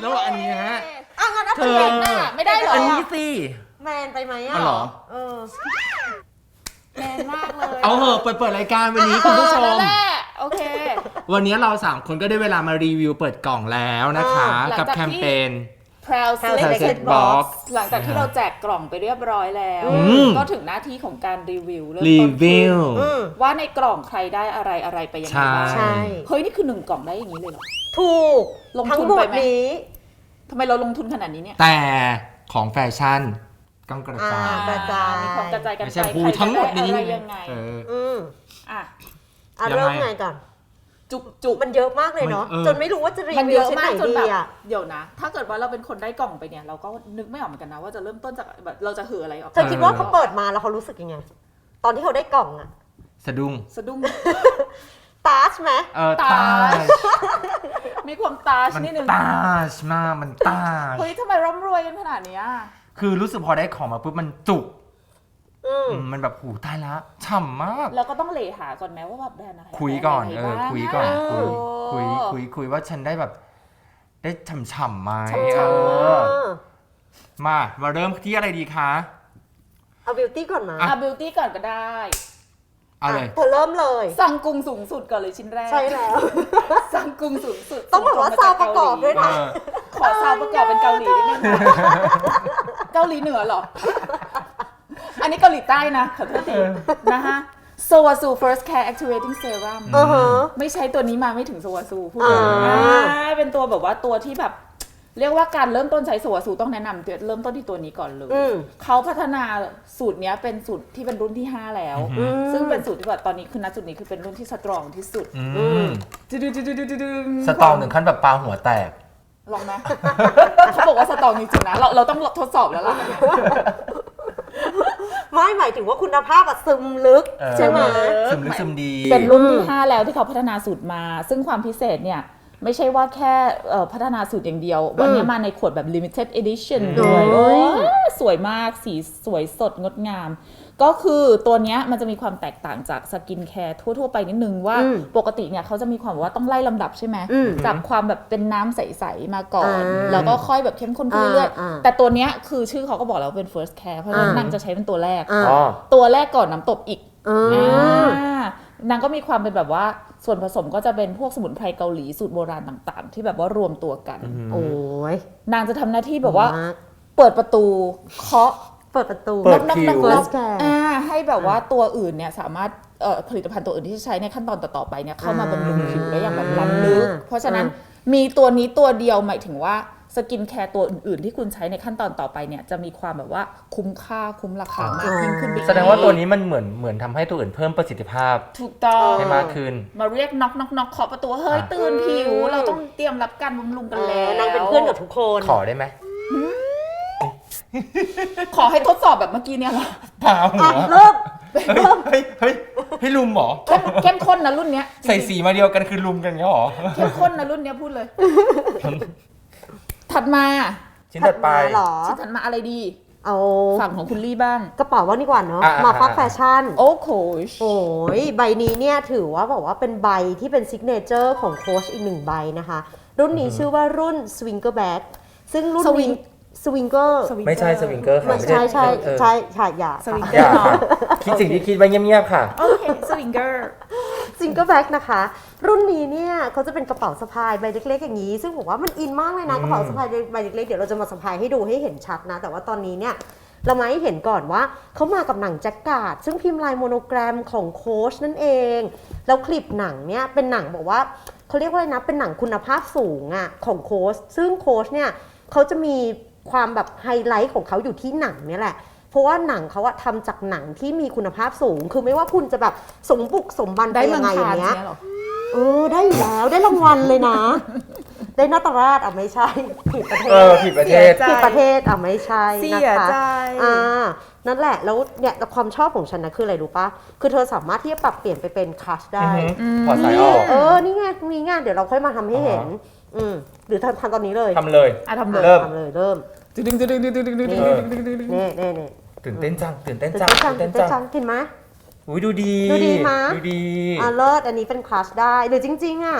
แล้วอันนี้ฮะงั้นเอาเป็นหน้าไม่ได้เหรออันนี้สิแมนไปไหมอ่ะเหรอแมนมากเลยเอาเหอะเปิดรายการวันนี้คุณผู้ชมโอเควันนี้เรา3คนก็ได้เวลามารีวิวเปิดกล่องแล้วนะคะกับแคมเปญ Proud Selected Box หลังจากที่เราแจกกล่องไปเรียบร้อยแล้วก็ถึงหน้าที่ของการรีวิวเริ่มต้นว่าในกล่องใครได้อะไรไปยังไงบ้างเฮ้ยนี่คือ1กล่องได้อย่างนี้เลยเหรอถูกลงทุนไปไหมทำไมเราลงทุนขนาดนี้เนี่ยแต่ของแฟชั่นต้องกระจายมีความกระจายกันไปใครทั้งหมดนี้ยังไงเริ่มไงก่อนจุกมันเยอะมากเลยเนาะจนไม่รู้ว่าจะรีวิวชิ้นไหนดีอ่ะเดี๋ยวนะถ้าเกิดว่าเราเป็นคนได้กล่องไปเนี่ยเราก็นึกไม่ออกเหมือนกันนะว่าจะเริ่มต้นจากแบบเราจะหืออะไรออกเธอคิดว่าเขาเปิดมาแล้วเขารู้สึกยังไงตอนที่เขาได้กล่องอะสะดุ้งตาชไหมตาชมีความตาชนิดนึงตาชมากมันตาชเฮ้ยทำไมร่ำรวยกันขนาดนี้คือรู้สึกพอได้ของมาปุ๊บมันจุกมันแบบหูตายละฉ่ำมากแล้วก็ต้องเลหาก่อนแม้ว่าแบบแบรนด์อะไรคุยก่อนคุยก่อนคุยว่าฉันได้แบบได้ฉ่ำๆไหมมาเริ่มที่อะไรดีคะเอาบิวตี้ก่อนมาบิวตี้ก่อนก็ได้อะไรเธอเริ่มเลยซังกุงสูงสุดก่อนเลยชิ้นแรกใช่แล้วซังกุงสูงสุดต้องบอกว่าซาวประกอบด้วยนะขอซาวประกอบเป็นเกาหลีนิดนึงเกาหลีเหนือหรออันนี้เกาหลีใต้นะขอโทษทีนะฮะโซวาซู First Care Activating Serum ไม่ใช้ตัวนี้มาไม่ถึงโซวาซูพูดเป็นตัวแบบว่าตัวที่แบบเรียกว่าการเริ่มต้นใช้โซวาซูต้องแนะนำเริ่มต้นที่ตัวนี้ก่อนเลยเขาพัฒนาสูตรนี้เป็นสูตรที่เป็นรุ่นที่5แล้วซึ่งเป็นสูตรที่แบบตอนนี้คือณจุดนี้คือเป็นรุ่นที่สตรองที่สุดสตรองถึงขั้นแบบปลาหัวแตกลองไหมเขาบอกว่าสตรองจริงๆนะเราต้องทดสอบแล้วล่ะไม่หมายถึงว่าคุณภาพซึมลึกใช่ไหมซึมลึกซึมดีเป็นรุ่นที่5แล้วที่เขาพัฒนาสูตรมาซึ่งความพิเศษเนี่ยไม่ใช่ว่าแค่พัฒนาสูตรอย่างเดียววันนี้มาในขวดแบบ limited edition ด้วยสวยมากสีสวยสดงดงามก็คือตัวนี้มันจะมีความแตกต่างจากสกินแคร์ทั่วๆไปนิดนึงว่าปกติเนี่ยเขาจะมีความว่าต้องไล่ลำดับใช่ไหมจากความแบบเป็นน้ำใสๆมาก่อนแล้วก็ค่อยแบบเข้มข้นขึ้นเรื่อยๆแต่ตัวนี้คือชื่อเขาก็บอกแล้วเป็น first care เพราะฉะนั้นนางจะใช้เป็นตัวแรกก่อนน้ำตบอีกนางก็มีความเป็นแบบว่าส่วนผสมก็จะเป็นพวกสมุนไพรเกาหลีสูตรโบราณต่างๆที่แบบว่ารวมตัวกันโอ้ยนางจะทำหน้าที่แบบว่าเปิดประตูเคาะเปิดประตูเปิดคิวให้แบบว่าตัวอื่นเนี่ยสามารถผลิตภัณฑ์ตัวอื่นที่ใช้ในขั้นตอนต่อๆไปเนี่ยเข้ามาบำรุงผิวได้อย่างแบบล้ำลึกเพราะฉะนั้นมีตัวนี้ตัวเดียวหมายถึงว่าสกินแคร์ตัวอื่นๆที่คุณใช้ในขั้นตอนต่อไปเนี่ยจะมีความแบบว่าคุ้มค่าคุ้มราคามากยิ่งขึ้นไปแสดงว่าตัวนี้มันเหมือนทำให้ตัวอื่นเพิ่มประสิทธิภาพถูกต้องให้มากขึ้นมาเรียกน็อกเคาะประตูเฮ้ยตื่นผิวเราต้องเตรียมรับการบำรุงกันแล้วนางเป็นเพื่อนกับทุกคนขอได้ไหมขอให้ทดสอบแบบเมื่อกี้เนี่ยเหรอเปล่าหัวเริ่มให้ลุมหรอเข้มข้นนะรุ่นเนี้ยใส่สีมาเดียวกันคือลุมกันเงี้ยหรอเข้มข้นนะรุ่นเนี้ยพูดเลยถัดมาชิ้นถัดไปชิ้นถัดมาอะไรดีเอาฝั่งของคุณลี่บ้างกระเป๋าว่านี่กว่าเนาะมาฟักแฟชั่นโอ้โหใบนี้เนี่ยถือว่าบอกว่าเป็นใบที่เป็นซิกเนเจอร์ของโค้ชอีก1ใบนะคะรุ่นนี้ชื่อว่ารุ่น Swinger Bag ซึ่งรุ่นนี้สวิงเกอร์ไม่ใช่สวิงเกอร์ค่ะใช่อย่าสวิงเกอร์คิดสิ่งที่คิดไว้เงียบๆค่ะโอเคสวิงเกอร์แบ็คนะคะรุ่นนี้เนี่ยเขาจะเป็นกระเป๋าสะพายใบเล็กๆอย่างนี้ซึ่งผมว่ามันอินมากเลยนะกระเป๋าสะพายใบเล็กๆเดี๋ยวเราจะมาสะพายให้ดูให้เห็นชัดนะแต่ว่าตอนนี้เนี่ยเรามาให้เห็นก่อนว่าเขามากับหนังแจ็คการ์ดซึ่งพิมพ์ลายโมโนแกรมของโค้ชนั่นเองแล้วคลิปหนังเนี่ยเป็นหนังบอกว่าเขาเรียกว่าอะไรนะเป็นหนังคุณภาพสูงอ่ะของโค้ชซึ่งโค้ชเนี่ยเขาจะมีความแบบไฮไลท์ของเขาอยู่ที่หนังเนี่ยแหละเพราะว่าหนังเขาอะทำจากหนังที่มีคุณภาพสูงคือไม่ว่าคุณจะแบบสมบุกสมบันไปยังไงอย่างเงี้ยได้อยู่แล้วได้รางวัลเลยนะได้นาตราชไม่ใช่ผิดประเทศผิดประเทศไม่ใช่นะคะนั่นแหละแล้วเนี่ยความชอบของฉันนะคืออะไรรู้ปะคือเธอสามารถที่จะปรับเปลี่ยนไปเป็นคัชได้พอสายออกนี่ไงเดี๋ยวเราค่อยมาทำให้เห็นหรือทำตอนนี้เลยทำเลยเริ่มดึงนี่ตื่นเต้นจังเห็นไหมดูดีมาเลิศอันนี้เป็นคลาสได้หรือจริงๆอ่ะ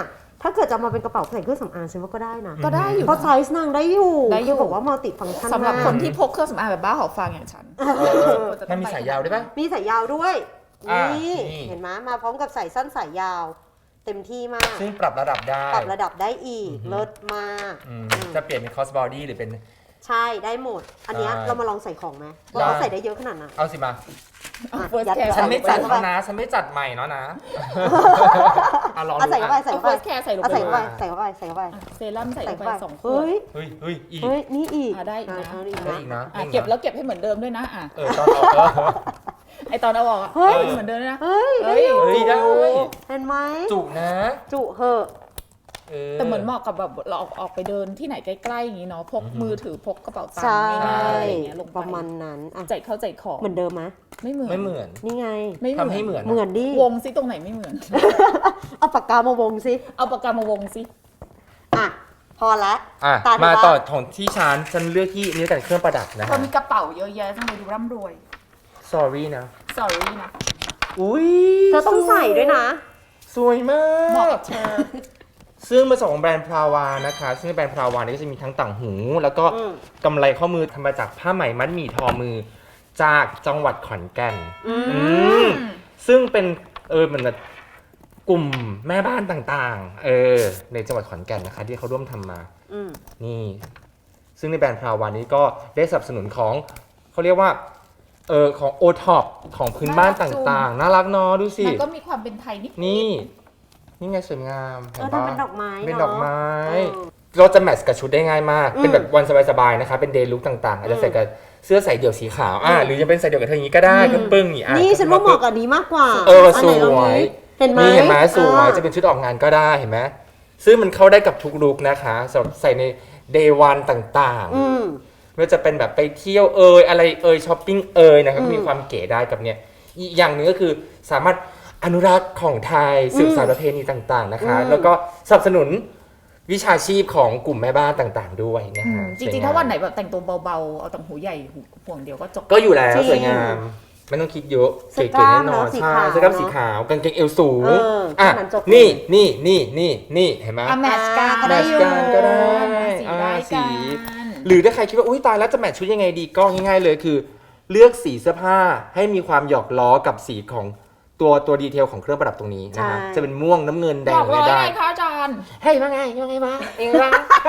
ถ้าเกิดจะมาเป็นกระเป๋าใส่เครื่องสำอางฉันว่าก็ได้นะก็ได้อยู่เพราะไซส์นางได้อยู่ได้อยู่คือบอกว่ามัลติฟังก์ชันสำหรับมากคนที่พกเครื่องสำอางแบบบ้าหอบฟางอย่างฉันมันมีสายยาวด้วยปะมีสายยาวด้วยอ่านี่นี่เห็นไหมมาพร้อมกับสายสั้นสายยาว เต็มที่มากซึ่งปรับระดับได้ปรับระดับได้อีกอือฮึเลิศมากจะเปลี่ยนเป็น cross body หรือเป็นใช่ได้หมด อันเนี้ยได้เรามาลองใส่ของไหมว่าได้เขาใส่ได้เยอะขนาดไหนเอาสิมาเอาอ่ะ first ยัด care ฉันไม่จัดเข้าแล้วไปนะ ฉันไม่จัดใหม่เนาะนะเอาลองเอาดูใส่เข้าไปอ่ะใส่เอาเข้าไป first care ใส่ลงเอาไปใส่เข้าไปใส่เข้าไปใส่เข้าไปอ่ะเซรั่มใส่ลงไป2 ขวดเฮ้ยเฮ้ยอีกเฮ้ยนี่อีกได้อีกนะเอาอีกได้นะอีกนะอ่ะเก็บแล้วเก็บให้เหมือนเดิมด้วยนะอ่ะตอนออกไอตอนเอาออกอ่ะเฮ้ยเหมือนเดิมด้วยนะเฮ้ยเฮ้ยเฮ้ยได้เห็นไหมจุนะจุเหอะแต่เหมือนเหมาะกับแบบเราออกไปเดินที่ไหนใกล้ๆอย่างนี้เนาะพกมือถือพกกระเป๋าตังใช่ค์ง่ายๆอะไรอย่างเงี้ยลงไปประมาณนั้นอ่ะใจเข้าใจของเหมือนเดิมไหมไม่เหมือนไม่เหมือนนี่ไงไม่เหมือนทำให้เหมือนเหมือนดิวงซิตรงไหนไม่เหมือนเอาปากกามาวงสิเอาปากกามาวงซิอ่ะ พอละอ่ะตาเธอมาบ้างต่อของที่ฉันเลือกที่นี่แต่เครื่องประดับนะเธอมีกระเป๋าเยอะแยะทำไมดูร่ำรวย sorry นะ sorry นะอุ้ยเธอต้องใส่ด้วยนะสวยมาเหมาะกกับเธอซึ่งมาจากของแบรนด์พราวานะคะ ซึ่งแบรนด์พราวานี่ก็จะมีทั้งต่างหู แล้วก็อืมกำไรข้อมือทำมาจากผ้าไหมมัดหมี่ทอมือ จากจังหวัดขอนแก่นอืมอืมซึ่งเป็นเหมือนแบบกลุ่มแม่บ้านต่างๆในจังหวัดขอนแก่นนะคะ ที่เขาร่วมทำมาอืมนี่ ซึ่งในแบรนด์พราวานี้ก็ได้สนับสนุนของเขาเรียกว่าของโอท็อปของพื้นบ้านต่างๆ น่ารักเนาะดูสิมันก็มีความเป็นไทยนิดนี่ไงสวยงามเห็นทำปะเป็นดอกไม้เป็นเนาะดอกไม้เออเราจะแมทช์กับชุดได้ง่ายมากอืมเป็นแบบวันสบายๆนะคะเป็นเดย์ลุคต่างๆ อาจจะใส่กับเสื้อใส่เดี่ยวสีขาวหรือจะเป็นใส่เดี่ยวกับเธออย่างนี้ก็ได้ก็ปึ้งอย่างนี่ฉันว่าเหมาะกับอันนี้มากกว่าสนไหนลองวยดิเห็นไหมนี่เห็นไหมสวยอ่าจะเป็นชุดออกงานก็ได้เห็นไหมซึ่งมันเข้าได้กับทุกลุคนะคะสำหรับใส่ในเดย์วันต่างๆอืมไม่ว่าจะเป็นแบบไปเที่ยวอะไรช้อปปิ้งนะครับอืมมีความเก๋ได้กับเนี่ยอีกอย่างหนึ่งก็คือสามารถอนุรักษ์ของไทยสืบสานประเพณีต่างๆนะคะอืมแล้วก็สนับสนุนวิชาชีพของกลุ่มแม่บ้านต่างๆ ด้วยนะอืฮะมจริงๆ ถ้าวันไหนแบบแต่งตัวเบาๆ เอาต่างหูใหญ่ห่วงเดียวก็จบก็อยู่แล้วจริงสวยงามไม่ต้องคิดเยอะเสื้เก๋อกล้าๆมแน่นอนเนอะสีใช่ขาวเสื้อกล้ามเนอะสีขาวกางเกงเอวสูงแค่นั้นจบเลยนี่เห็นไหมอ่ะแมทช์กันก็ได้อยู่แมทช์กันก็ได้สีได้สีกันหรือถ้าใครคิดว่าอุ้ยตายแล้วจะแมทช์ชุดยังไงดีก็ง่ายๆเลยคือ เลือกสีเสื้อผ้าให้มีความหยอกล้อกับสีของตัวดีเทลของเครื่องประดับตรงนี้นะฮะใช่จะเป็นม่วงน้ำเงินแดบงอกไม่เลยได้ไงคะอาจารย์เฮ้ยว่าไงยังไงวะเองวะ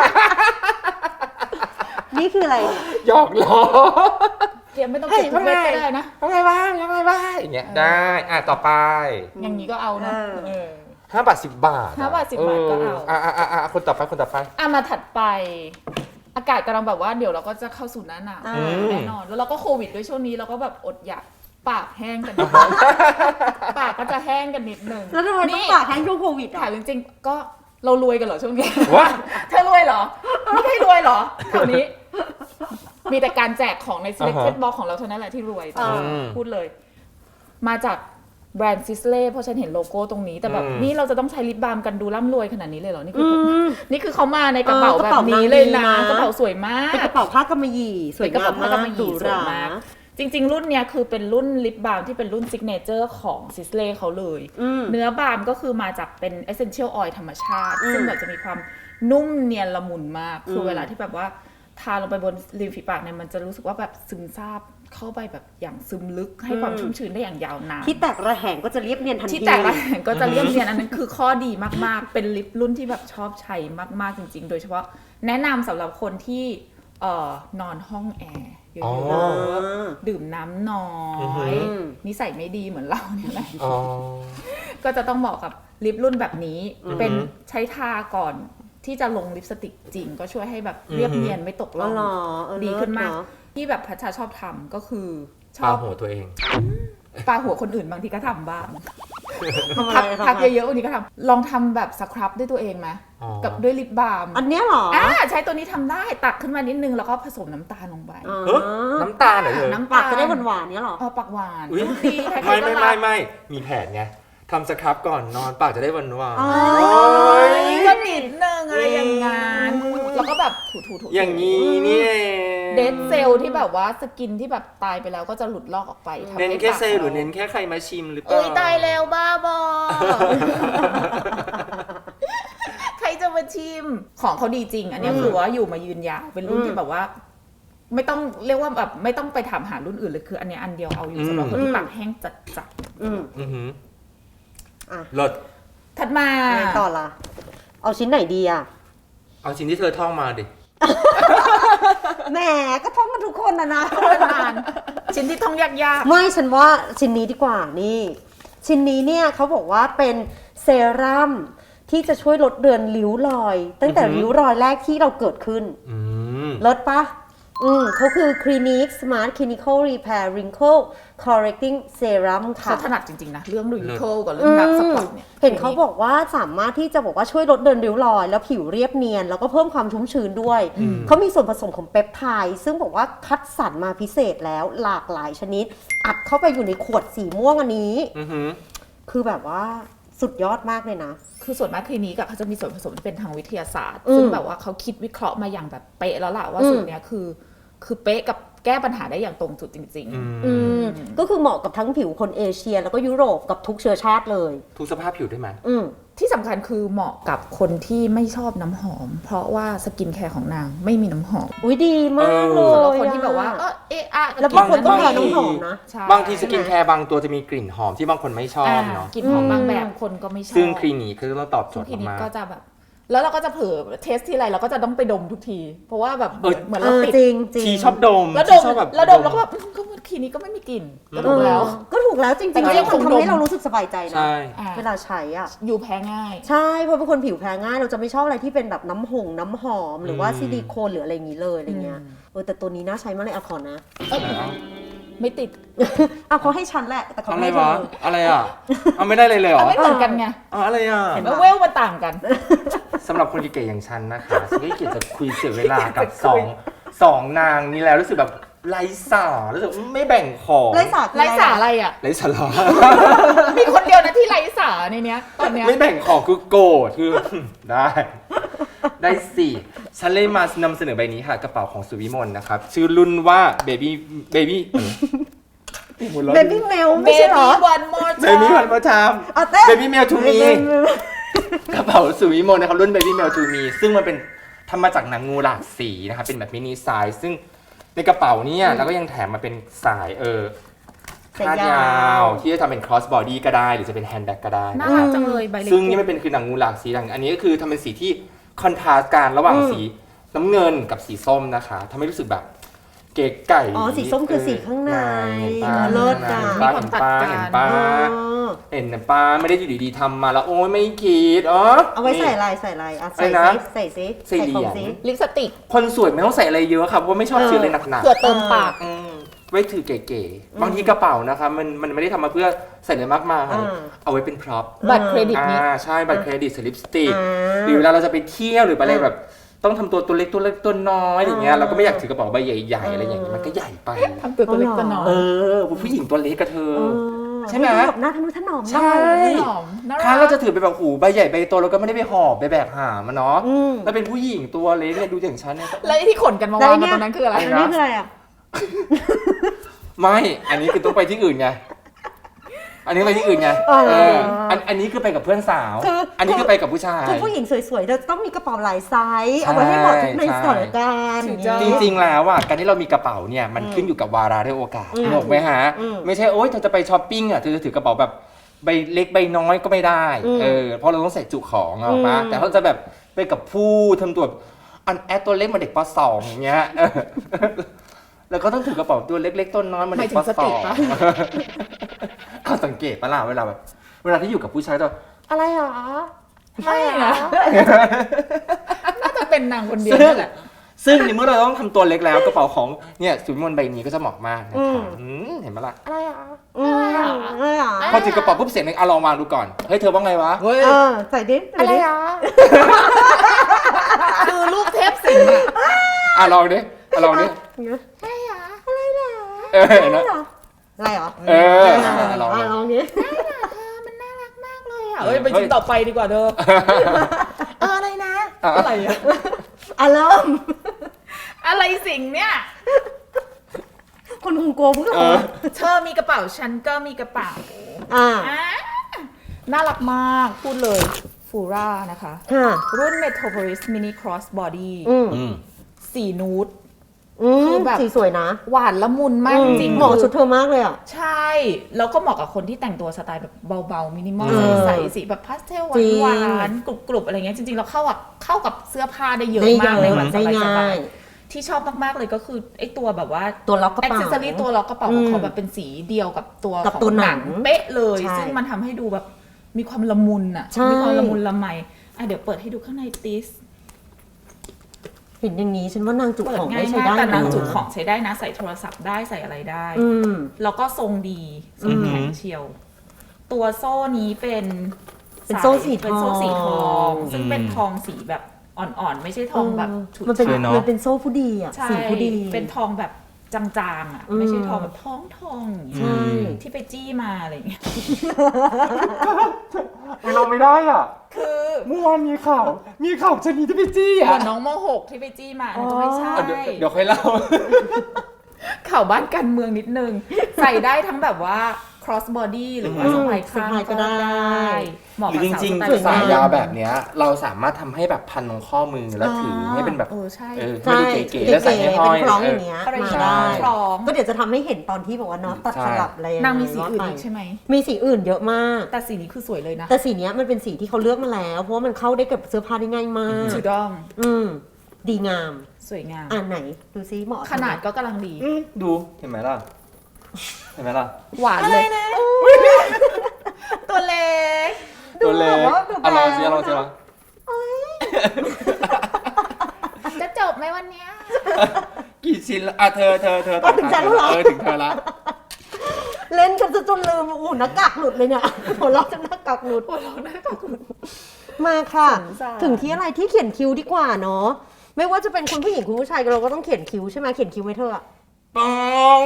นี่คืออะไรเนี่ยหยอกล้อเดี๋ยวไม่ต้องเก็บทุกเม็ดก็ได้นะยังไงวะอย่างเงี้ยได้ต่อไปอย่างนี้ก็เอานะเออ 5 บาท 10 บาท 5 บาท 10 บาทก็เอาคนต่อไปอ่ะมาถัดไป อากาศกำลังแบบว่าเดี๋ยวเราก็จะเข้าสู่หน้าหนาวอืมแน่นอน แล้วเราก็โควิดด้วยช่วงนี้เราก็แบบอดอยากปากแห้งกันนิด ปากก็จะแห้งกันนิดนึงแล้วทำไมต้องนี่ปากแห้งช่วงโควิดถาอ่ะมจริงๆก็เรารวยกันเหรอช่วงนี้วะเธอรวยเหรอไม่ใช่รวยเหรอแถวนี้ มีแต่การแจกของใน selected box ของเราเท่านั้นแหละที่รวยอ่าพูดเลย มาจากแบรนด์ซิสเล่เพราะฉันเห็นโลโก้ตรงนี้แต่แบบอืมนี่เราจะต้องใช้ลิปบาล์มกันดูร่ำรวยขนาดนี้เลยเหรอนี่อืคือมนี่คือเขามาในกระเป๋าเออกแบระเป๋าบนี้เลยนะนางดีนะกระเป๋าสวยมากเป็นกระเป๋าผ้ากำมะหยี่สวยกระงามเป๋าผ้ากำมะหยี่หรูสหวยรามากจริง ๆ รุ่นเนี้ยคือเป็นรุ่นลิปบาล์มที่เป็นรุ่นซิกเนเจอร์ของซิสเล่เขาเลยอืมเนื้อบาล์มก็คือมาจากเป็น essential oil ธรรมชาติอืมซึ่งแบบจะมีความนุ่มเนียนละมุนมาก คือมเวลาที่แบบว่าทาลงไปบนริมฝีปากเนี่ยมันจะรู้สึกว่าแบบซึมซาบเข้าไปแบบอย่างซึมลึกให้ความชุ่มชื้นได้อย่างยาวนานที่แตกระแหงก็จะเรียบเนียนทันทีที่แตกระแหงก็จะเรียบเนียนอันนั้นคือข้อดีมากๆ เป็นลิปรุ่นที่แบบชอบใช้มากๆจริงๆ โดยเฉพาะแนะนำสำหรับคนที่นอนห้องแอร์เยอ๋ออะๆดื่มน้ำน้ออือหืยอนิสัยไม่ดีเหมือนเราเนี่ยแหละอ๋อก็จะต้องเหมาะกับลิปรุ่นแบบนี้อือหือเป็นใช้ทาก่อนที่จะลงลิปสติกจริง ก็ช่วยให้แบบเรียบอือหือเนียนไม่ตกอ๋ล่อองเหรอเออดีขึ้นมากเลิศเอะที่แบบพัชชาชอบทำก็คือชปาอบหัวตัวเองปาหัวคนอื่นบางทีก็ทำบ้างทำอะพักไรพักทำอะไรเยอะๆวันนี้ก็ทำลองทำแบบสครับด้วยตัวเองไหมอ๋อกับด้วยลิปบาล์มอันเนี้ยเหรอใช้ตัวนี้ทำได้ตักขึ้นมานิดนึงแล้วก็ผสมน้ำตาลลงไปอ๋อเฮ้ยน้ำตาลเหรอเธอน้ำปากจะได้หวานๆเนี้ยเหรอปากหวานอุ๊ยดีใครๆไม่ก็ไม่รัไม่กไม่มีแผนไงทำสครับก่อนนอนปากจะได้หวานอ๋อๆโอ๊ยก็นิดนึงอะไรอย่างงั้นแล้วก็แบบถูๆๆอย่างนี้นี่เองเดดเซลล์ที่แบบว่าสกินที่แบบตายไปแล้วก็จะหลุดลอกออกไปทำเน้นให้แค่ปากเซลล์หรือเน้นแค่ใครมาชิมหรือเปล่าเอ้ยตายแล้วบ้าบอทีมของเขาดีจริง อันเนี้ยคือว่าอยู่มายืนยาวเป็นรุ่นที่แบบว่า ไม่ต้องเรียกว่าแบบไม่ต้องไปถามหารุ่นอื่นเลยคืออันเนี้ยอันเดียวเอาอยู่สำหรับคนที่ปากแห้งจัดอืมอือหืออ่ะเลิศๆถัดมาไงต่อล่ะ เอาชิ้นไหนดีอ่ะเอาชิ้นที่เธอท่องมาดิแหมก็ท่องกันทุกคนนะนานชิ้นที่ท่องยากไม่ฉันว่าชิ้นนี้ดีกว่านี่ ชิ้นนี้เนี่ยเขาบอกว่าเป็นเซรั่มที่จะช่วยลดเรือนริ้วรอย ตั้งแต่อือหือริ้วรอยแรกที่เราเกิดขึ้นอืมลดปะเขาคือ Clinique Smart Clinical Repair Wrinkle Correcting Serum ๆค่ะเขาถนัดจริงๆนะเรื่องริงเคิลกับเรื่องดักสปอตเนี่ยเห็นเขาบอกว่าสามารถที่จะบอกว่าช่วยลดเรือนริ้วรอย แล้วผิวเรียบเนียน แล้วก็เพิ่มความชุ่มชื้นด้วย เขามีส่วนผสมของเปปไทด์ซึ่งบอกว่าคัดสรรมาพิเศษแล้วหลากหลายชนิด อัดเข้าไปอยู่ในขวดสีม่วงอันนี้อือหือคือแบบว่าสุดยอดมากเลยนะคือส่วนมากคลินิกอะเขาจะมีส่วนผสมที่เป็นทางวิทยาศาสตร์อืมซึ่งแบบว่าเขาคิดวิเคราะห์มาอย่างแบบเป๊ะแล้วล่ะว่าสูตรเนี้ยคือเป๊ะกับแก้ปัญหาได้อย่างตรงจุดจริงก็คือเหมาะกับทั้งผิวคนเอเชีย แล้วก็ยุโรปกับทุกเชื้อชาติเลยทุกสภาพผิวได้ไหมๆ ที่สำคัญคือเหมาะกับคนที่ไม่ชอบน้ำหอม เพราะว่าสกินแคร์ของนางไม่มีน้ำหอมอุ้ยดีมากเลสำหรับยคนที่แบบว่าอะแล้วบางคนก็บางแพ้น้ำหอมนะใช่บางทีสกินแคร์บางตัวจะมีกลิ่นหอมที่บางคนไม่ชอบเนาะกลิ่นหอมบางแบบคนก็ไม่ชอบซึ่งคลินิกก็ต้องตอบโจซึ่งทย์คลินิกมากก็จะแบบ แล้วเราก็จะเผลอเทสที่ไรเราก็จะต้องไปดมทุกที เพราะว่าแบบเหมือนเราติดจริงจริงทีชอบดมแล้วดชีมชอบแบบแล้วดมแล้วก็แบบก็คลินิกก็ไม่มีกลิ่นก็ถูกแล้วก็ถูกแล้วจริงแต่ๆก็แล้วยังมันคงทำให้ดมเรารู้สึกสบายใจนะใช่เวลาใช้อ่ะอยู่แพ้ง่ายใช่ เพราะเป็นคนผิวแพ้ง่าย เราจะไม่ชอบอะไรที่เป็นแบบน้ำหอม หรือว่าซิลิโคนหรืออะไรอย่างนี้เลยอะไรเงี้ย แต่ตัวนี้น่าใช้มากเลยอะขอนะไม่ติดเอาเขาให้ฉันแหละ แต่เขาอะไรไม่ให้เธวะออะไรอ่ะเอาไม่ได้เลยเหรอไม่เหมือนกันไงอะไรอ่ะเห็นแล้วปะเวลมันต่างกันสำหรับคนเก๋ๆอย่างฉันนะคะฉันก็เกียดจะคุยเสียเวลากับสองนางนี้แล้วรู้สึกแบบไร้สาระรู้สึกไม่แบ่งของไร้สาระไร้สาอะไรอ่ะไร้สาระมีคนเดียวนะที่ไร้สาในเนี้ยตอนเนี้ยไม่แบ่งของคือโกรธคือ ได้สิฉันเลยมานำเสนอใบนี้ค่ะกระเป๋าของสุวิมลนะครับ ชื่อรุ่นว่า Baby เบบี้เมลเบไม่ใช่เหรอบี้วันมอร์ Baby วันประชามเอาเต้ Baby Mail to me กระเป๋าสุวิมลนะครับรุ่น Baby Mail to me ซึ่งมันเป็นทำมาจากหนังงูหลากสีนะครับเป็นแบบมินิไซส์ซึ่งในกระเป๋าเนี่ยแล้วก็ยังแถมมาเป็นสายคาดยาวที่จะทำเป็น cross body ก็ได้หรือจะเป็นแฮนด์แบ็กก็ได้น่านะครัรักบจังเลยใบเล็กซึ่งนี่มันเป็นคือหนังงูหลากสีอันนี้ก็คือทำเป็นสีที่คอนทราสต์กันระหว่างสีน้ำเงินกับสีส้มนะคะทำให้รู้สึกแบบเก๋ไก่อ๋อสีส้มคือสีข้างใน เลิศอ่ะเห็นป้าเห็นป้าเห็นป้าเห็นป้าไม่ได้อยู่ดีๆทำมาแล้วโอ้ยไม่คิดเอาไว้ใส่ลายอ่ะใส่อะไรนะซิใส่ซิใส่เหรียญของซิลิปสติกคนสวยไม่ต้องใส่อะไรเยอะค่ะเพราะว่าไม่ชอบซื้ออะไรหนักเผื่อเติมปากๆไว้ถือเก๋ๆบางทีกระเป๋านะคะมันไม่ได้ทำมาเพื่อใส่อะไรมากมายเอาไว้เป็นพร็อพบัตรเครดิตนี้ใช่บัตรเครดิตสลิปสติกหรือเวลาเราจะไปเที่ยวหรือไปอะไรแบบต้องทำตัวเล็กตัวน้อยอย่างเงี้ยเราก็ไม่อยากถือกระเป๋าใบใหญ่ๆอะไรอย่างเงี้ยมันก็ใหญ่ไปทำตัวเล็กตัวน้อยผู้หญิงตัวเล็กกับเธอ ใช่ไหมแบบหน้าทะนุถนอมใช่หอมน่าครั้งรัเรากจะถือไปแบบหูใบใหญ่ใบโตเราก็ไม่ได้ไปหอบไปแบกหามันเนาะแล้วเป็นผู้หญิงตัวเล็กเนี่ยดูอย่างฉันเนี่ยแล้วไอ้ที่ขนกันมาวางกันตรงนั้นคืออะไรอันนี้คืออะไรอ่ะไม่ อันนี้คือต้องไปที่อื่นไง อันนี้ไปที่อื่นไงอันนี้คือไปกับเพื่อนสาว อันนี้คือไปกับผู้ชายคือผู้หญิงสวยๆเราจะต้องมีกระเป๋าหลายไซส์เอาไว้ให้เหมาะทุกในสถานการณ์อย่างเงี้ยจริงๆแล้วอ่ะการที่เรามีกระเป๋าเนี่ยมันขึ้นอยู่กับวาระและโอกาสถูกไหมฮะ ไม่ใช่โอ๊ยเธอจะไปช้อปปิ้งอ่ะเธอจะถือกระเป๋าแบบใบเล็กใบน้อยก็ไม่ได้เพราะเราต้องใส่จุของเอาปะแต่เขาจะแบบไปกับผู้ทำตัวอันแอดตัวเล็กมาเด็กป .2 อย่างเงี้ยแล้วก็ต้องถือกระเป๋าตัวเล็กๆต้นน้อยมาเด็กป .2 เขาสังเกตปะล่ะเวลาแบบเวลาที่อยู่กับผู้ชายตัวอะไรหรอไม่นะน่าจะเป็นนางคนเดียวนั่นแหละซึ่งในเมื่อเราต้องทำตัวเล็กแล้วกระเป๋าของเนี่ยสุวิมลใบนี้ก็จะเหมาะมากนะคะเห็นไหมล่ะอะไรอ่ะพอถือกระเป๋าปุ๊บเสียงนึงลองวางดูก่อนเฮ้ยเธอว่าไงวะเว้ยใส่ดิอะไรอ่ะคือลูกเทพสิงห์อะลองดิลองดิอะไรอ่ะอะไรเหรอเห็นไหมอะไรเหรอลองลองดิมันน่ารักมากเลยอ่ะเอ้ยไปชิ้นต่อไปดีกว่าเธออะไรนะอะไรอะอารมณ์อะไรสิงห์เนี่ยคนคงกลัวพวกเราเธอมีกระเป๋าฉันก็มีกระเป๋าน่ารักมากพูดเลยฟูร่านะคะค่ะรุ่น Metropolis Mini Cross Body อืมสีนูดคือแบบสีสวยนะหวานละมุนมากจริงเหมาะกับชุดเธอมากเลยอ่ะใช่ แล้วก็เหมาะกับคนที่แต่งตัวสไตล์แบบเบาๆมินิมอลใสๆสีแบบพาสเทลหวานๆกรุบๆอะไรเงี้ยจริงๆเราเข้ากับเสื้อผ้าได้เยอะมากในวันสบายๆที่ชอบมากๆเลยก็คือไอ้ตัวแบบว่าตัวล็อกกระแอ็กเป๋าเซสซอรี่ตัวล็อกกระเป๋าของเขาแบบเป็นสีเดียวกับตัวกับของตัวหหนันังงเป๊ะเลยใช่ซึ่งมันทำให้ดูแบบมีความละมุนอ่ะใช่มีความละมุนละไมเดี๋ยวเปิดให้ดูข้างในติสเห็นอย่างนี้ฉันว่านางจุกเปิดของง่าได้ยใช้มากได้แต่นางนะจุของใช้ได้นะใส่โทรศัพท์ได้ใส่อะไรได้อืมแล้วก็ทรงดีทรงแข็งเชียว ตัวโซ่นี้เป็นเป็นโซ่สีทองเป็นโซ่สีทอง ซึ่งเป็นทองสีแบบอ่อนๆ ไม่ใช่ทองแบบฉุดมันเป็นสวยเนอะมันเป็นโซ่ผู้ดีอ่ะใช่สีผู้ดีเป็นทองแบบจางๆอ่ะ ไม่ใช่ทองแบบทองอย่างเงี้ยใช่ที่ไปจี้มาอะไรอย่างเงี้ยเราไม่ได้อ่ะคือเมื่อวานมีข่าวชนีที่ไปจี้เหอ่ะมือนน้องม .6 ที่ไปจี้มาอันนั้นก็ไม่ใช่เดี๋ยวค่อยเล่าข่าวบ้านการเมืองนิดนึง ใส่ได้ทั้งแบบว่า cross body หรือว่าสะพายข้างสะพายก็ได้เหมาะหรืกับอจสาวริงสไตล์ๆสายยาวแบบเนี้ยเราสามารถทำให้แบบพันตรงข้อมือแล้วถือให้เป็นแบบใช่ไม่ดูเก๋ๆแล้วใส่ให้ห้อยเป็นคล้องอย่างเงี้ยอะไรอย่างมาเงี้ยได้คล้องก็เดี๋ยวจะทำให้เห็นตอนที่บอกว่าน็อตตัดสลับอะไรนางมีสีอื่นอีกใช่ไหมมีสีอื่นเยอะมากแต่สีนี้คือสวยเลยนะแต่สีเนี้ยมันเป็นสีที่เขาเลือกมาแล้ว เพราะว่ามันเข้าได้กับเสื้อผ้าได้ง่ายมากถูกต้องดีงามสวยงามไหนดูซิเหมาะขนาดก็กำลังดีดูเห็นไหมล่ะหวานเลยตัวเล็กตัวเล็กดูเอาลองสิแบเอาบลองสิลองจะจบไหมวันเนี้ยกี่ชิ้นละเธอต่อถึงฉันแล้วเหรอถึงเธอละเล่นกันจนลืมหน้ากากหลุดเลยเนี่ยหัวเราะจนหน้ากากหลุดมาค่ะสงสารถึงที่อะไรที่เขียนคิ้วดีกว่าเนาะไม่ว่าจะเป็นคุณผู้หญิงคุณผู้ชายเราก็ต้องเขียนคิ้วใช่ไหมเขียนคิ้วไหมเธออะปอง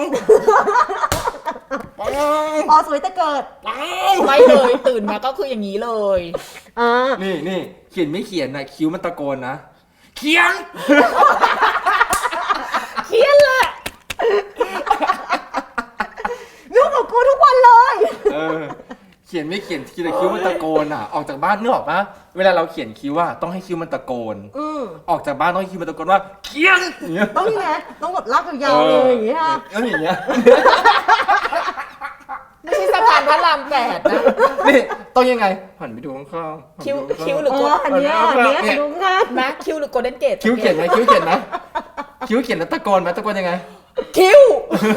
อ๋อสวยแต่เกิดไม่เลยตื่นมาก็คืออย่างนี้เลยนี่เขียนไม่เขียนนะคิ้วมันตะโกนนะเขียนเขียนเลยยุ่งกับกูทุกวันเลยเขียนไม่เขียนทีละคิ้วมันตะโกนอ่ะออกจากบ้านนึกออกปะเวลาเราเขียนคิ้วอ่ะต้องให้คิ้วมันตะโกนออกจากบ้านต้องให้คิ้วมันตะโกนว่าเขียนอย่างเงี้ยต้องยังไงต้องแบบลากยาวๆเลยอย่างเงี้ยแล้วอย่างเงี้ยไม่ใช่สะพานพระราม8นะนี่ต้องยังไงหันไปดูข้างๆคิ้วหรืออันเนี้ยดูงานนะคิ้วหรือโกลเด้นเกตคิ้วเขียนไหมคิ้วเขียนไหมคิ้วเขียนแล้วตะโกนไหมตะโกนยังไงคิ้ว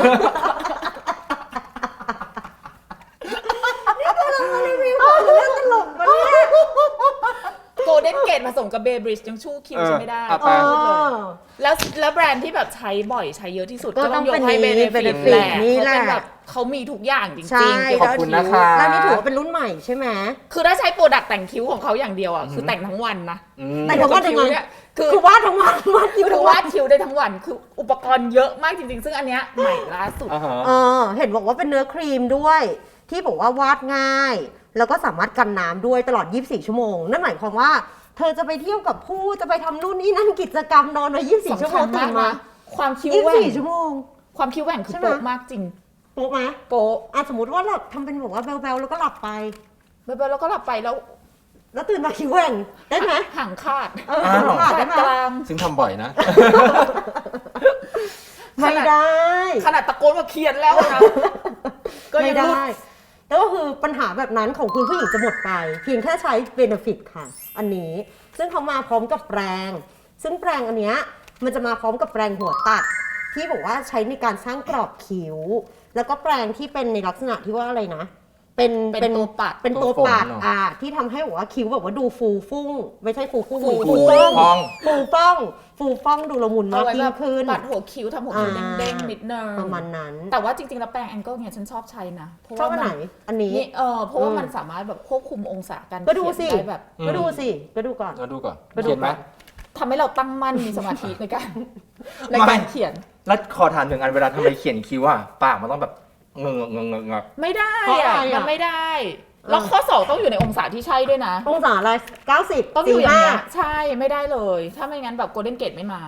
โกลเด้นเกตผสมกับเบย์บริดจ์ยังชู้คิ้วใช่ไม่ได้เอาไปพูดเลยแล้วแบรนด์ที่แบบใช้บ่อยใช้เยอะที่สุดก็ก็ต้ต้ออง งยเป็กนให้เบนี่เนฟิต Benefit แหละนี่เขาแหละเป็นแบบเขามีทุกอย่างจริงใช่ๆขอบคุณนะคะแล้วนี่ถือว่าเป็นรุ่นใหม่ใช่ไหมคือถ้าใช้โปรดักต์แต่งคิ้วของเขาอย่างเดียวอ่ะคือแต่งทั้งวันนะแต่ทั้งวันยังไงเนี่ยคือคือวาดทั้งวันวาดคิ้วคืทั้องวัวาน ดคิ้วได้ทั้งวันคืออุปกรณ์เยอะมากจริงๆ ซึ่งอันเนี้ยใหม่ล่าสุดเห็นบอกว่าเป็นเนื้อครีมด้วย ที่บอกว่าวาดง่าย แล้วก็สามารถกันน้ำด้วยตลอด 24 ชั่วโมง นั่นหมายความว่าเธอจะไปเที่ยวกับผู้จะไปทำนู่นนี่นั่นกิจกรรมนอนมา24 ชั่วโมงตื่นมาความคิ้วแหว่ง 24 ชั่วโมงความคิ้วแหว่งคือใช่ไหมโป๊ะมากจริงโป๊ะไหมโป๊ะสมมติว่าหลับทำเป็นแบบว่าแบลๆแล้วก็หลับไปแล้วก็หลับไปแล้วแล้วตื่นมาคิ้วแหว่งได้ไหมห่างคาดขาดได้ไหมกลางซึ่งทำบ่อยนะไม่ได้ขนาดตะโกนว่าเขียนแล้วนะก็ไม่ยังรุดได้แล้วก็คือปัญหาแบบนั้นของคุณผู้หญิงจะหมดไป เพียงแค่ใช้ Benefit ค่ะ อันนี้ ซึ่งเขามาพร้อมกับแปรง ซึ่งแปรงอันเนี้ยมันจะมาพร้อมกับแปรงหัวตัด ที่บอกว่าใช้ในการสร้างกรอบคิ้ว แล้วก็แปรงที่เป็นในลักษณะที่ว่าอะไรนะเป็นตัวปัดเป็นตัวปัดตัวฝนเนอะที่ทำให้บอกว่าคิ้วแบบว่าดูฟูฟุ้ง ไม่ใช่ฟูฟุ้งฟูฟูฟ่ฟ่ออง งฟูฟ่องฟูฟ่องดูละมุนเอามากไว้ยิ่แบงบขึ้นปัดหัวคิ้วทำหัวคิ้วเด้งๆนิดนึงประมาณนั้นแต่ว่าจริงๆแล้วแปรงแองเกิลเนี่ยฉันชอบใช้นะเพราะชอบว่าอันไหน อันนี้นี่เพราะว่ามันสามารถแบบควบคุมองศาการก็ดูสิเขียนได้แบบก็ดูสิ ก็ดูก่อนเราดูก่อนไปดูเขียนไหมก่อนทำให้เราตั้งมั่นมีสมาธิในการไม่ในการเขียนแล้วขอถามหนึ่งอันเวลาทำไมเขียนคิ้วอ่ะปากมันต้องแบบเงงไม่ได้เพราะอะไรอะอะมันไม่ได้ แล้วข้อ2ต้องอยู่ในองศาที่ใช่ด้วยนะองศาอะไร90 ต้องอยู่อย่างเงี้ย 45 ใช่ไม่ได้เลย ถ้าไม่งั้นแบบโกลเด้นเกตไม่มา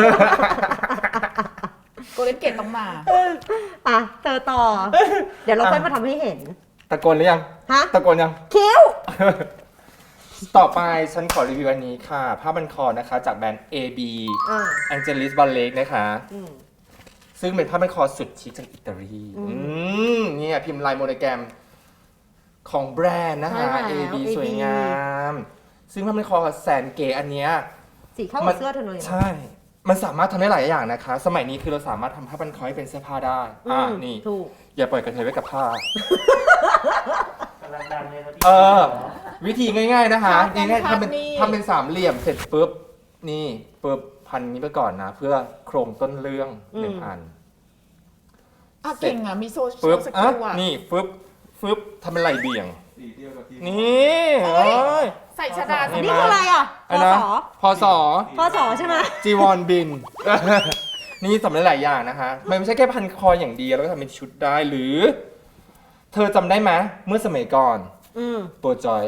โกลเด้นเกตต้องมาเธอต่อ เดี๋ยวเราค่อยมาทำให้เห็นตะโกนหรือยังฮะตะโกนยังคิ้วต่อไปฉันขอรีวิวอันนี้ค่ะผ้าพันคอนะคะจากแบรนด์ AB อ่า Angelis Ballet นะคะ ซึ่งเป็นผ้าพันคอสุดชิคจากอิตาลีเนี่ยพิมพ์ลายโมโนแกรมของแบรนด์นะคะ AB สวยงาม ซึ่งผ้าพันคอแสนเก๋อันเนี้ยสีเข้ากับเสื้อเธอเลยนะใช่ มันสามารถทำได้หลายอย่างนะคะ สมัยนี้คือเราสามารถทำผ้าพันคอให้เป็นเสื้อผ้าได้นี่ถูกอย่าปล่อยกระเทยไว้กับผ้ากำลังดังเลยครับพี่วิธีง่ายๆนะคะพับง่ายๆพับทำเป็นนี่ทำเป็นสามเหลี่ยมเสร็จปุ๊บนี่ปุ๊บพันนี้ไปก่อนนะ เพื่อโครงต้นเรื่องหนึ่งอันเก่งอ่ะมีโซเชียปุ๊ลบสกิลอ่ะนี่ปุ๊บทำเป็นไหลเบี่ยงสีเดียวกับที่นี่เอ้ยเอ้ยใส่ชดานี่นี่คืออะไรอ่ะพไอ้นะศพศพศใช่ไหมจีวรบิน นี่สำเร็จหลายอย่างนะคะมันไม่ใช่แค่พันคออย่างเดียวแล้วก็ทำเป็นชุดได้หรือ เธอจำได้ไหมเมื่อสมัยก่อนโปรจอย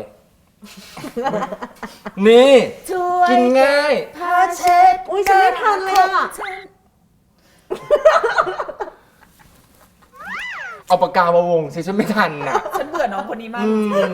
นี่ช่วยกินง่ายผ้าเช็ดอุ้ยฉันไม่ทันเลยอ่ะเอาปากกามาวงสิฉันไม่ทันน่ะฉันเบื่อน้องคนนี้มาก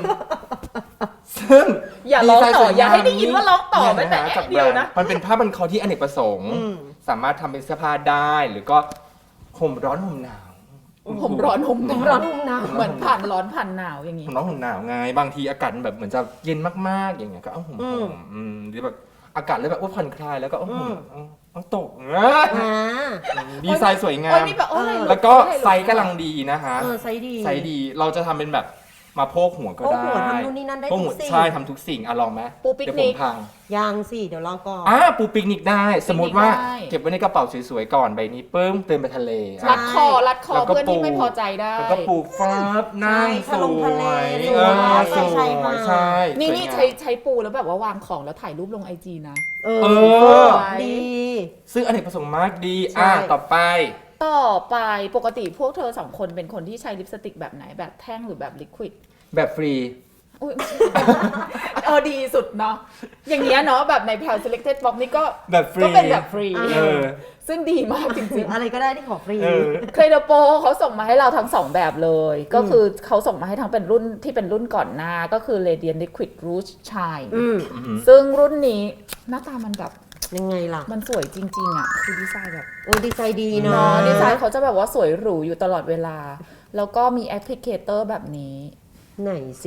ซึ่งอย่าร้องต่อดีไซน์สวอย่าให้ได้ยินว่าร้องต่อเยแม้แต่ะคะจากเดียวนะมันเป็นผ้าพันคอที่อเนกประสงค์ สามารถทำเป็นเสื้อผ้าได้หรือก็ห่มร้อนห่มหนาวผมร้อนผมหนาวร้อนหุ่มหนาวเหมือนผ่านร้อนผ่านหนาวอย่างนี้ห่มร้อนห่มหนาวไงบางทีอากาศมันแบบเหมือนจะเย็นมากๆอย่างเงี้ยก็เอาห่มหรือแบบอากาศเลยแบบว่าผ่อนคลายแล้วก็เอาห่มเอาตกอ่าดีไซน์สวยงาโอ้ยมมีแบบโอ้ยแล้วก็ไซส์กำลังดีนะคะไซส์ดีไซส์ดีเราจะทำเป็นแบบมาโพกหัวก็โอ้ได้หัวทำนู่นนี่นั่นได้โพกทุหัวกสิ่งใช่ทำทุกสิ่งลองไหมปูปิกเดี๋ยวนิผกมพังยังสิเดี๋ยวรอก่อนปูปิกนิกได้ สมมติว่าได้เก็บไว้ในกระเป๋าสวยๆก่อนใบนี้ปึ้มเติมไปทะเลรัดคอรัดคอแล้วก็เพื่อนที่ปูไม่พอใจได้แล้วก็ปลูกฟ้าบนั่งใช่สทะลงวทะเลย สวยสวใช่ค่ะยใช่นี่สวยนี่งามใช้ปูแล้วแบบว่าวางของแล้วถ่ายรูปลงไอจีนะเอเออดีซึ่งอเนกประสงค์มากดีใช่ต่อไปต่อไปปกติพวกเธอสองคนเป็นคนที่ใช้ลิปสติกแบบไหนแบบแท่งหรือแบบลิควิดแบบฟรีอุ๊ย ดีสุดเนาะอย่างเงี้ยเนาะแบบในแพล selected box นี่ก็แบบฟรีก็เป็นแบบฟรีเออซึ่งดีมากจริงอะไรก็ได้ที่ขอฟรีเออๆเครดโปเขาส่งมาให้เราทั้งสองแบบเลย ก็คือเขาส่งมาให้ทั้งเป็นรุ่นที่เป็นรุ่นก่อนหน้าก็คือ Radiant Liquid Rouge Shine ซึ่งรุ่นนี้หน้าตามันแบบยังไงล่ะมันสวยจริงๆอ่ะคือดีไซน์แบบดีไซน์ดีเนาะเนาะดีไซน์เขาจะแบบว่าสวยหรูอยู่ตลอดเวลา แล้วก็มีแอปพลิเคเตอร์แบบนี้ไหนสิ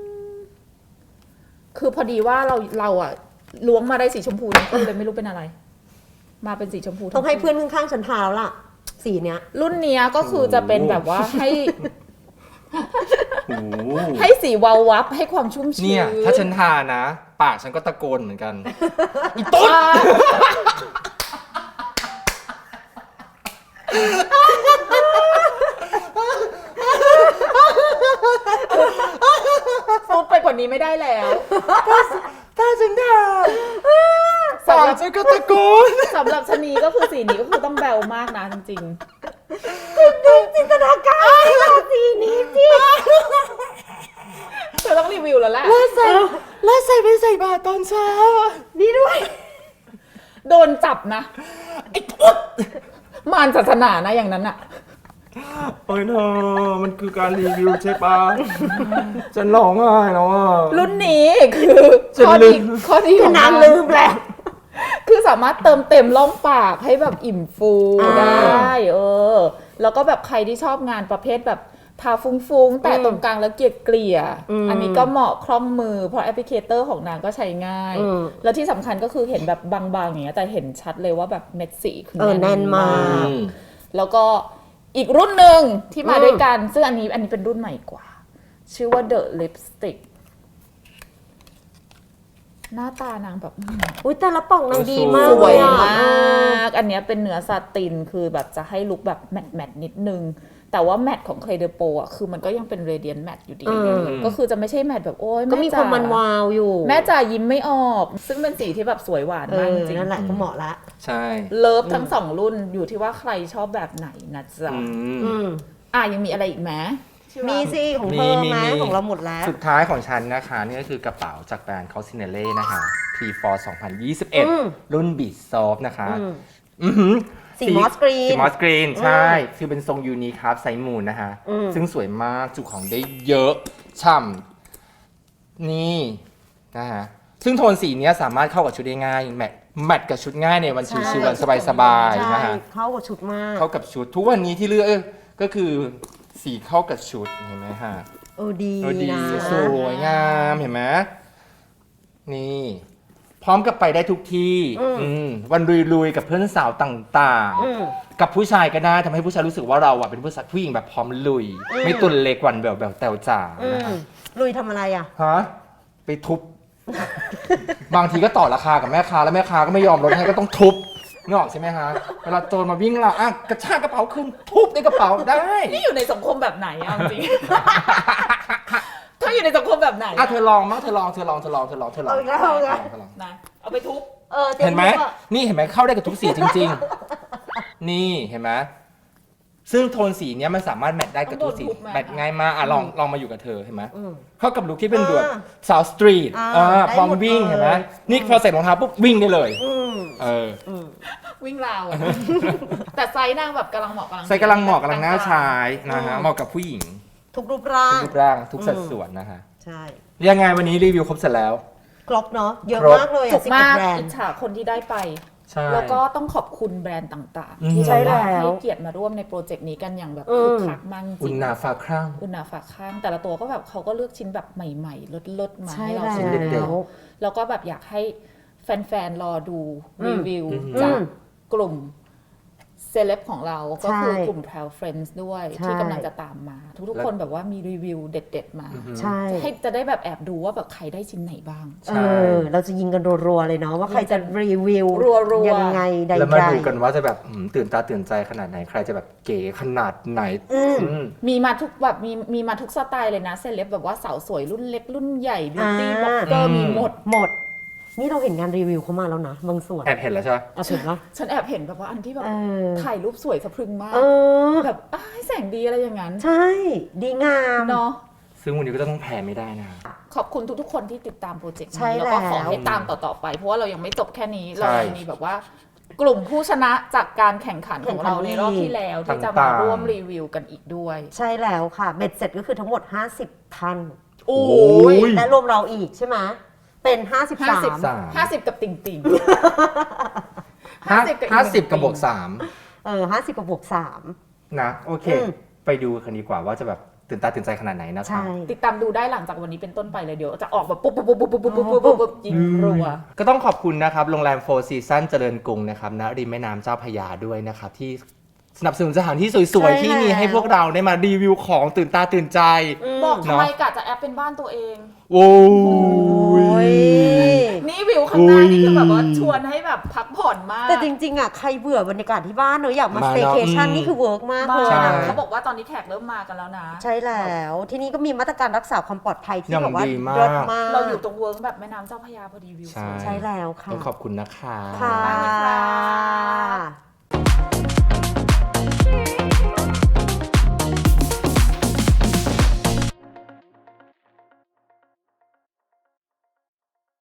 คือพอดีว่าเราอะล้วงมาได้สีชมพูทั้งคู่เลยไม่รู้เป็นอะไร มาเป็นสีชมพูทั้ต้องให้คู่เพื่อนข้างๆฉันทาแล้วล่ะ สีเนี้ยรุ่นเนี้ยก็คือจะเป็นแบบว่าให้โอ้โหให้สีวาววับให้ความชุ่มชื้นเนี่ยถ้าฉันทานะ ปากฉันก็ตะโกนเหมือนกันอ่าพูดไปกว่านี้ไม่ได้แล้วถ้าฉันทาปากฉันก็ตะโกนสำหรับชะนีก็คือสีนี้ก็คือต้องแบวมากนะจริงจินตนาการสีนี้สิๆเธอต้องรีวิวแล้วแหละแล้วใส่ไปใส่บาตรตอนเช้านี่ด้วยโดนจับนะไอ้พุทธมารศาสนานะอย่างนั้นอะโอ้ยเธอมันคือการรีวิวใช่ปะฉันร้องไห้แล้วอ่ะรุ่นนี้คือฉันข้อลืดีมข้อดีของนางมันลืมแล้วคือสามารถเติมเต็มร่องปากให้แบบอิ่มฟูได้แล้วก็แบบใครที่ชอบงานประเภทแบบทาฟุ้งๆแต่ตรงกลางแล้วเกลี่ยๆอันนี้ก็เหมาะคล่องมือเพราะแอปพลิเคเตอร์ของนางก็ใช้ง่าย แล้วที่สำคัญก็คือเห็นแบบบางๆอย่างเงี้ยแต่เห็นชัดเลยว่าแบบเม็ดสีคือแน่นมากแล้วก็อีกรุ่นหนึ่งที่มาด้วยกันซึ่งอันนี้เป็นรุ่นใหม่กว่า ชื่อว่า The Lipstick หน้าตานางแบบอุ้ยแต่ละป่องนางดีมากสวยเลยอะมาก อันเนี้ยเป็นเนื้อซาตินคือแบบจะให้ลุคแบบแมทนิดนึง แต่ว่าแมทของ Clé de Peau อ่ะคือมันก็ยังเป็น Radiant Matte อยู่ดี ก็คือจะไม่ใช่แมทแบบโอ้ยก็มีความมันวาวอยู่แม่จ๋ายิ้มไม่ออก ซึ่งเป็นสีที่แบบสวยหวานมากจริงนั่นแหละก็เหมาะละใช่เลิฟทั้งสองรุ่นอยู่ที่ว่าใครชอบแบบไหนนะจ๊ะ ยังมีอะไรอีกไหมมีสิของเธอไหมของเราหมดแล้วสุดท้ายของฉันนะคะนี่ก็คือกระเป๋าจากแบรนด์คอสซิเนเล่นะคะ P4 2021 รุ่น Beat Soft นะคะสีมอสกรีนสีมอสกรีนใช่ คือเป็นทรงยูนิครับไซส์มูนนะคะ ซึ่งสวยมากจุของได้เยอะ ฉ่ำนี่นะฮะซึ่งโทนสีเนี้ยสามารถเข้ากับชุดได้ง่ายแมทกับชุดง่ายในวันชิวๆวันสบายๆนะใช่ฮะเข้ากับชุดมากเข้ากับชุดทุกวันนี้ที่เลือกก็คือสีเข้ากับชุดเห็นไหมฮะดีดีนะสวยงามเห็นไหมนี่พร้อมกับไปได้ทุกที่วันลุยๆกับเพื่อนสาวต่างๆ กับผู้ชายก็ได้ทำให้ผู้ชายรู้สึกว่าเราเป็นผู้หญิงแบบพร้อมลุย ไม่ตุนเล็กวันแบบแตวจ๋านะคะลุยทำอะไรอ่ะฮะไปทุบ บางทีก็ต่อราคากับแม่ค้าแล้วแม่ค้าก็ไม่ยอมลดให้ก็ต้องทุบนึกออกใช่ไหมฮะเวลาโจรมาวิ่งเรากระชากกระเป๋าขึ้นทุบในกระเป๋าได้นี่อยู่ในสังคมแบบไหนเอาจริง เธออยู่ในสังคมแบบไหนเธอลองมั้งเธอลองเอาอีกแล้วเอาอีกแล้วนะเอาไปทุบตรียเห็นไหมตัวนี่เห็นไหมเข้าได้กับทุกสีจริง ๆ นี่เห็นไหมซึ่งโทนสีเนี้ยมันสามารถแมทได้กับทุกสีแมทง่ายมากลองมาอยู่กับเธอเห็นไหมเข้ากับลุคที่เป็นแบบสาวสตรีทได้พร้อมหมดวิ่งเลยเห็นไหมนี่พอใส่รองเท้าปุ๊บวิ่งได้เลยวิ่งราวอะแต่ไซส์นางแบบกำลังเหมาะใส่กำลังเหมาะกำลังน่าใช้นะฮะเหมาะกับผู้หญิงทุกรูปร่างทุกรูปร่างทุกสัดส่วนนะฮะใช่ยังไงวันนี้รีวิวครบเสร็จแล้วครบเนาะเยอะครบมากเลยจุอ่ะก 11 มากแบรนอิจด์ฉาคนที่ได้ไปใช่แล้วก็ต้องขอบคุณแบรนด์ต่างอืมๆ ที่ใช่แบบแล้วให้เกียรติมาร่วมในโปรเจกต์นี้กันอย่างแบบอืมคึกคักมากจอุริณงนาฟ้าครั่งอุณาฝากข้าง แต่ละตัวก็แบบเขาก็เลือกชิ้นแบบใหม่ๆลดๆมาใช่ให้เราแล้ชิ้นเด็ดวๆแล้วก็แบบอยากให้แฟนๆรอดูรีวิวอืมจากกลุ่มเซเลบของเราก็คือกลุ่ม Travel Friends ด้วยใช่ที่กำลังจะตามมา ทุกๆคนแบบว่ามีรีวิวเด็ดๆมาใช่ให้จะได้แบบแอบดูว่าแบบใครได้ชิ้นไหนบ้างใช่เราจะยิงกันรัวๆเลยเนาะว่าใครจะรีวิวรัวๆยังไงใดๆแล้วมาดูกันว่าจะแบบตื่นตาตื่นใจขนาดไหนใครจะแบบเก๋ขนาดไหนมีมาทุกแบบมีมาทุกสไตล์เลยนะเซเลบแบบว่าสาวสวยรุ่นเล็กรุ่นใหญ่บิวตี้บล็อกเกอร์มีหมดนี่เราเห็นงานรีวิวเขามาแล้วนะบางส่วนแอบเห็นแล้วใช่ไหมเอาถึงว่าฉันแอบเห็นแบบว่าอันที่แบบเออถ่ายรูปสวยสะพรึงมากเออแบบอ้ายแสงดีอะไรอย่างนั้นใช่ ดีงามเนาะซึ่งวันนี้ก็ต้องแพ้ไม่ได้นะขอบคุณทุกๆคนที่ติดตามโปรเจกต์ใช่นี้แล้วก็ขอแล้วให้ตามต่อๆไป เพราะว่าเรายังไม่จบแค่นี้ใช่เรายังมีแบบว่า กลุ่มผู้ชนะจากการแข่งขันของเราในรอบที่แล้วที่จะมาร่วมรีวิวกันอีกด้วยใช่แล้วค่ะเบ็ดเสร็จก็คือทั้งหมด 50 ท่านโอ้ยและรวมเราอีกใช่ไหมเป็น 53 50 กับติ่งติ่ง 50 กับบวก 50กับบวก 3นะโอเค ไปดูกันดีกว่าว่าจะแบบตื่นตาตื่นใจขนาดไหนนะ 3 ครัใช่บติดตามดูได้หลังจากวันนี้เป็นต้นไปเลยเดี๋ยวจะออกแบบปุ๊บปุ๊บปุ๊บปุ๊บปุ๊บปุ๊บปุ๊บปุ๊บยิงรัวก็ต้องขอบคุณนะครับโรงแรมโฟร์ซีซั่นเจริญกรุงนะครับณริมแม่น้ำเจ้าพระยาด้วยนะครับที่สนับสนุนสถานที่สวยๆที่มีให้พวกเราได้มารีวิวของตื่นตาตื่นใจบอกทำไมกะจะแอปเป็นบ้านตัวเองโอ้โอ้ยนี่วิวข้างหน้านี่คือแบบว่าชวนให้แบบพักผ่อนมากแต่จริงๆอ่ะใครเบื่อบรรยากาศที่บ้านเนอะอยากมาสเต y c a t i o n นี่คือเวิร์กมากมาเลยใช่นะเขาบอกว่าตอนนี้แขกเริ่มมากันแล้วนะใช่แล้วที่นี่ก็มีมาตรการรักษาความปลอดภัยที่อย่างแบบว่าดีมากเลิศมากเราอยู่ตรงเวิร์กแบบแม่น้ำเจ้าพระยาพอดีวิวสวยใช่แล้วค่ะต้องขอบคุณนะคะค่ะมากเลยค่ะ